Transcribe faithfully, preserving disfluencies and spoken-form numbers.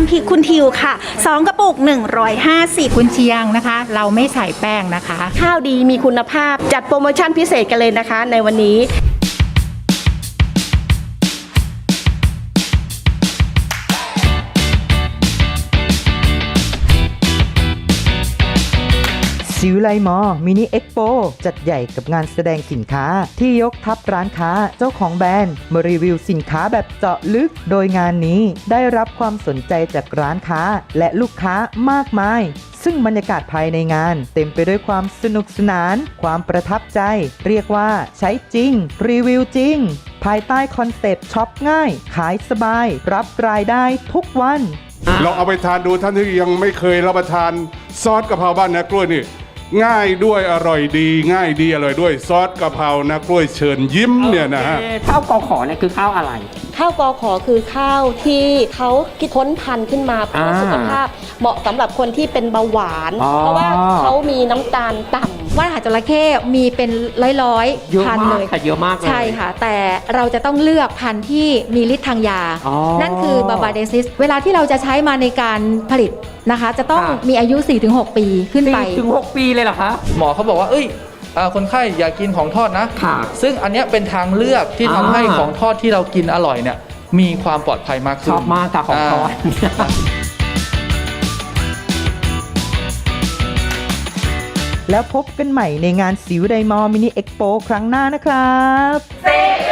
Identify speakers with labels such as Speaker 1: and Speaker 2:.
Speaker 1: ำพริกคุณทิวค่ะสองกระปุกหนึ่งร้อยห้าสิบ
Speaker 2: กุนเชียงนะคะเราไม่ใส่แป้งนะคะ
Speaker 3: ข้าวดีมีคุณภาพจัดโปรโมชั่นพิเศษกันเลยนะคะในวันนี้
Speaker 4: ซิวไลมอมินิเอ็กโปจัดใหญ่กับงานแสดงสินค้าที่ยกทัพร้านค้าเจ้าของแบรนด์มารีวิวสินค้าแบบเจาะลึกโดยงานนี้ได้รับความสนใจจากร้านค้าและลูกค้ามากมายซึ่งบรรยากาศภายในงานเต็มไปด้วยความสนุกสนานความประทับใจเรียกว่าใช้จริงรีวิวจริงภายใต้คอนเซ็ปต์ช็อปง่ายขายสบายรับรายได้ทุกวัน
Speaker 5: ลองเอาไปทานดูท่านที่ยังไม่เคยรับประทานซอสกะเพราบ้านนากล้วยนี่ง่ายด้วยอร่อยดีง่ายดีอร่อยด้วยซอสกะเพรานากล้วยเชิญยิ้มเนี่ยนะฮะ
Speaker 6: ข้าวกอขอเนี่ยคือข้าวอะไร
Speaker 3: ข้าวกอขอคือข้าวที่เขาคิดค้นพันธุ์ขึ้นมาเพื่อสุขภาพเหมาะสำหรับคนที่เป็นเบาหวานเพราะว่าเขามีน้ำตาลต่ำ
Speaker 1: ว่านหางจระเข้มีเป็นร้อยๆพันเลย
Speaker 6: ค่ะเยอะมากเลย
Speaker 1: ใช่ค่ะแต่เราจะต้องเลือกพันธุ์ที่มีฤทธิ์ทางยานั่นคือบาบาเดซิสเวลาที่เราจะใช้มาในการผลิตนะคะจะต้องมีอายุ สี่ถึงหก ปีขึ้นไป
Speaker 6: สี่ถึงหก ปีเลยเหรอคะ
Speaker 7: หมอเขาบอกว่าเอ้ยคนไข้อยากกินของทอดนะซึ่งอันนี้เป็นทางเลือกที่ทำให้ของทอดที่เรากินอร่อยเนี่ยมีความปลอดภัยมากขึ้น
Speaker 6: ชอบมากค่ะของทอด
Speaker 4: แล้วพบกันใหม่ในงานสิวไดมอมินิเอ็กโปครั้งหน้านะครับ